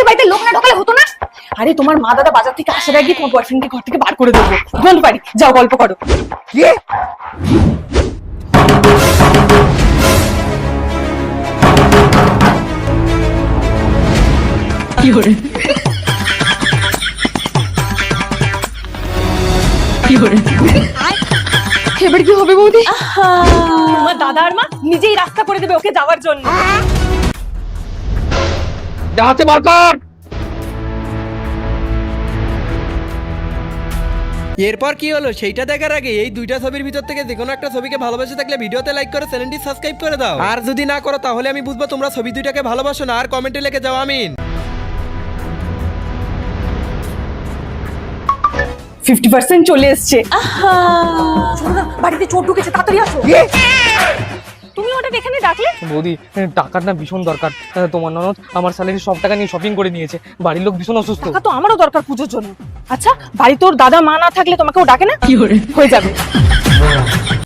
বাড়িতে লোক না ঢোকালে হতো না? আরে তোমার মা দাদা বাজার থেকে আসার আগে তোমার বয়ফ্রেন্ডকে ঘর থেকে বার করে দেবো। ডোন্ট পারি, যাও গল্প করো। কি? কি করে এবার কি হবে বৌদি? তোমার দাদা আর মা নিজেই রাস্তা করে দেবে ওকে যাওয়ার জন্য। হাতে বার কর। এরপর কি হলো সেইটা দেখার আগে এই দুইটা ছবির ভিতর থেকে যে কোনো একটা ছবিকে ভালোবাসে থাকলে ভিডিওতে লাইক করে চ্যানেলটি সাবস্ক্রাইব করে দাও। আর যদি না করো তাহলে আমি বুঝবো তোমরা ছবি দুইটাকে ভালোবাসো না। আর কমেন্টে লিখে যাও আমিন। 50% চলে এসছে। শোনো না, বাড়িতে চোর ঢুকেছে, তাড়াতাড়ি আসো। তুমি ওটা এখানে ডাকলে? বৌদি, টাকার না ভীষণ দরকার। তোমার ননদ আমার স্যালারি সব টাকা নিয়ে শপিং করে নিয়েছে। বাড়ির লোক ভীষণ অসুস্থ। টাকা তো আমারও দরকার পুজোর জন্য। আচ্ছা, বাড়িতে ওর দাদা মা না থাকলে তোমাকে ও ডাকে না? কি হয়ে যাবে।